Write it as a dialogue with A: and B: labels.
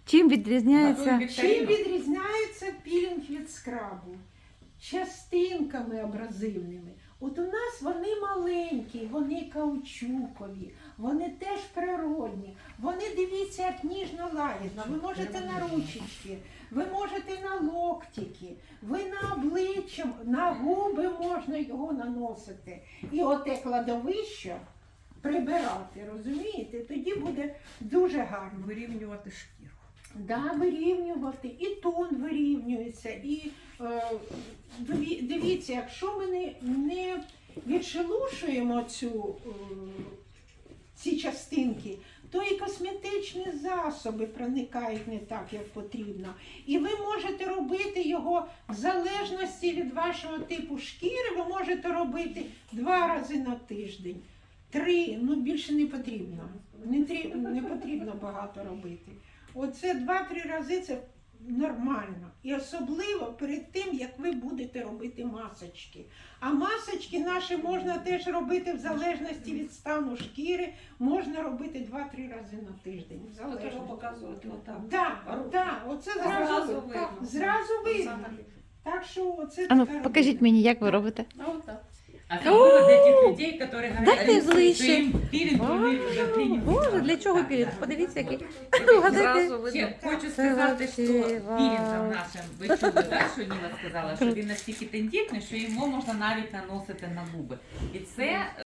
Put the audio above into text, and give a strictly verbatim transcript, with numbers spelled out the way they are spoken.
A: Чим відрізняється?
B: Чим відрізняється пілінг від скрабу? Частинками абразивними. От у нас вони маленькі, вони каучукові, вони теж природні. Вони, дивіться, як ніжно лагідно. Ви можете на ручечки, ви можете на локтики, ви на обличчя, на губи можна його наносити. І оте кладовище прибирати, розумієте? Тоді буде дуже гарно.
C: Вирівнювати шкіру.
B: Да, вирівнювати, і тон вирівнюється, і е, диві- дивіться, якщо ми не, не відшелушуємо цю, е, ці частинки, то і косметичні засоби проникають не так, як потрібно. І ви можете робити його в залежності від вашого типу шкіри, ви можете робити два рази на тиждень. Три, ну більше не потрібно. Не, трі- не потрібно багато робити. Оце два-три рази це нормально. І особливо перед тим, як ви будете робити масочки. А масочки наші можна теж робити в залежності від стану шкіри, можна робити два-три рази на тиждень. в
C: Треба
B: залежності.
C: показувати отак.
B: Да, да, оце зразу,
C: Зразу
B: видно.
C: видно.
B: Так, зразу видно. Так що оце
A: А ну,
B: така
A: покажіть
B: робота.
A: мені, як ви робите.
C: А отак.
D: Особливо для тих людей, які говорять,
A: Дайте
D: що
A: ближче.
D: їм пілінг вони вже прийняли.
A: Боже, для чого пілінг?
D: Так,
A: Подивіться, який.
C: Зразу
A: Вгадайте.
C: видно.
D: Ще хочу
A: Це
D: сказати, що
A: вообще,
D: пілінгом
A: вау.
D: нашим, ви чули, так, що Ніла сказала, що він настільки тендітний, що його можна навіть наносити на губи. І це